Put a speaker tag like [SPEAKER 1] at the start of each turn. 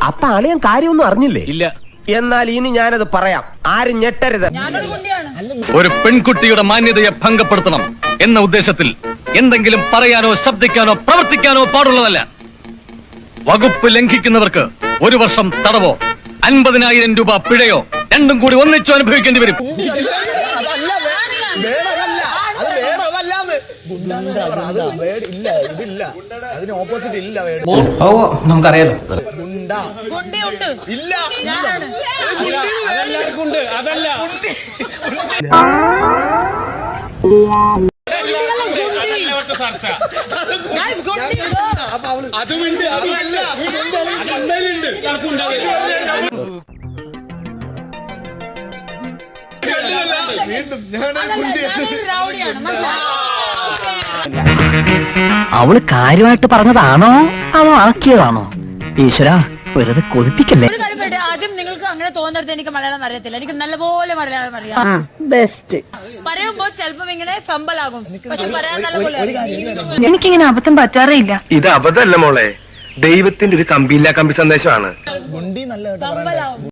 [SPEAKER 1] അപ്പൊ അളിയൻ കാര്യമൊന്നും അറിഞ്ഞില്ലേ?
[SPEAKER 2] ഇല്ല.
[SPEAKER 1] എന്നാൽ ഇനി ഞാനത് പറയാം, ആരും ഞെട്ടരുത്.
[SPEAKER 2] ഒരു പെൺകുട്ടിയുടെ മാന്യതയെ ഭംഗപ്പെടുത്തണം എന്ന ഉദ്ദേശത്തിൽ എന്തെങ്കിലും പറയാനോ ശബ്ദിക്കാനോ പ്രവർത്തിക്കാനോ പാടുള്ളതല്ല. വകുപ്പ് ലംഘിക്കുന്നവർക്ക് 1 വർഷം തടവോ 50,000 രൂപ പിഴയോ രണ്ടും കൂടി ഒന്നിച്ചു അനുഭവിക്കേണ്ടി വരും.
[SPEAKER 3] നമുക്കറിയാലോ.
[SPEAKER 4] അവള് കാര്യമായിട്ട് പറഞ്ഞതാണോ അതോ ആക്കിയതാണോ? ഈശ്വര, വെറുതെ കൊതിപ്പിക്കല്ലേ.
[SPEAKER 5] ആദ്യം നിങ്ങൾക്ക് അങ്ങനെ തോന്നരുത് എനിക്ക് മലയാളം അറിയത്തില്ല. എനിക്ക് നല്ലപോലെ മലയാളം അറിയാം.
[SPEAKER 6] ബെസ്റ്റ്
[SPEAKER 5] പറയുമ്പോ ചിലപ്പം ഇങ്ങനെ ഫമ്പലാകും, പക്ഷെ പറയാൻ നല്ലപോലെ
[SPEAKER 6] എനിക്കിങ്ങനെ അബദ്ധം പറ്റാറേ ഇല്ല.
[SPEAKER 1] ഇത് അബദ്ധമല്ല മോളെ, ദൈവത്തിന്റെ ഒരു കമ്പിയില്ല കമ്പി സന്ദേശമാണ്.
[SPEAKER 5] ഫമ്പലാകും.